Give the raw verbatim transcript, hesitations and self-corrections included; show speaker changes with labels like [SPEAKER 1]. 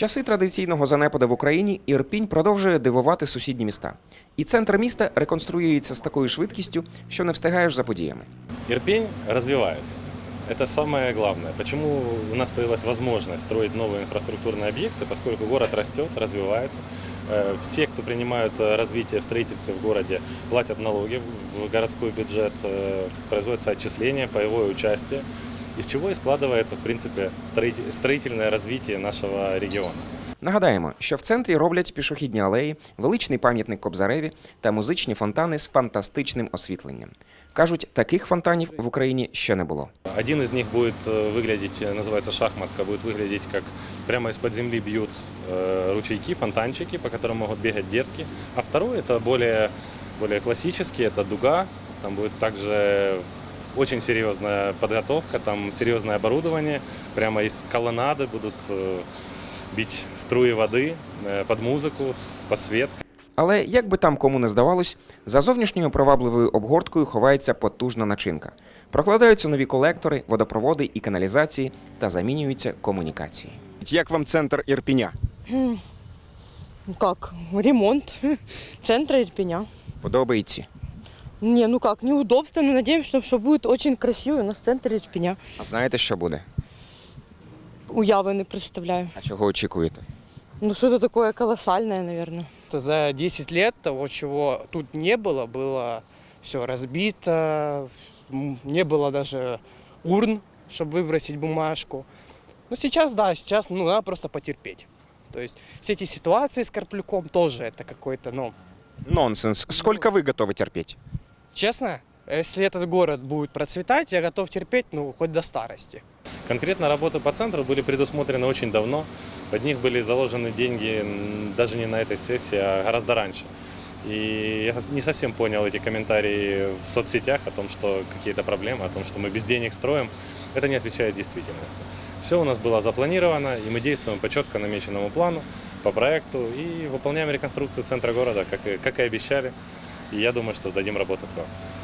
[SPEAKER 1] В часи традиційного занепаду в Україні Ірпінь продовжує дивувати сусідні міста. І центр міста реконструюється з такою швидкістю, що не встигаєш за подіями.
[SPEAKER 2] Ирпень развивается. Это самое главное. Почему у нас появилась возможность строить новые инфраструктурные объекты, поскольку город растет, развивается. Все, кто принимают развитие в строительстве в городе, платят налоги в городской бюджет, производятся отчисления, паевое участие, из чего и складывается, в принципе, строительное развитие нашего региона.
[SPEAKER 1] Нагадаємо, що в центрі роблять пішохідні алеї, величний пам'ятник Кобзареві та музичні фонтани з фантастичним освітленням. Кажуть, таких фонтанів в Україні ще не було.
[SPEAKER 2] Один из них будет выглядеть, называется шахматка, будет выглядеть как прямо из-под земли бьют ручейки, фонтанчики, по которым могут бегать детки. А второй это более, более классический, это дуга. Там будет также очень серьезная подготовка, там серьезное оборудование. Прямо из колоннады будут бить струи води під музику, з підсвіткою.
[SPEAKER 1] Але, як би там кому не здавалось, за зовнішньою привабливою обгорткою ховається потужна начинка. Прокладаються нові колектори, водопроводи і каналізації та замінюються комунікації. Як вам центр Ірпіня?
[SPEAKER 3] Как? Ремонт центра Ирпеня.
[SPEAKER 1] Подобається?
[SPEAKER 3] Не, ну как, неудобство, но надеемся, что будет очень красиво у нас центр Ирпеня.
[SPEAKER 1] А знаєте, що буде?
[SPEAKER 3] Уяви не представляю.
[SPEAKER 1] А чого очікуєте?
[SPEAKER 3] Ну что-то такое колоссальное, наверное.
[SPEAKER 4] За десять лет того, чего тут не было, было все разбито, не было даже урн, чтобы выбросить бумажку. Ну сейчас, да, сейчас ну, надо просто потерпеть. То есть все эти ситуации с Карплюком тоже это какой-то, ну...
[SPEAKER 1] Нонсенс. Сколько вы готовы терпеть?
[SPEAKER 4] Честно, если этот город будет процветать, я готов терпеть, ну, хоть до старости.
[SPEAKER 2] Конкретно работы по центру были предусмотрены очень давно. Под них были заложены деньги даже не на этой сессии, а гораздо раньше. И я не совсем понял эти комментарии в соцсетях о том, что какие-то проблемы, о том, что мы без денег строим. Это не отвечает действительности. Все у нас было запланировано, и мы действуем по четко намеченному плану, по проекту, и выполняем реконструкцию центра города, как и, как и обещали. И я думаю, что сдадим работу в срок.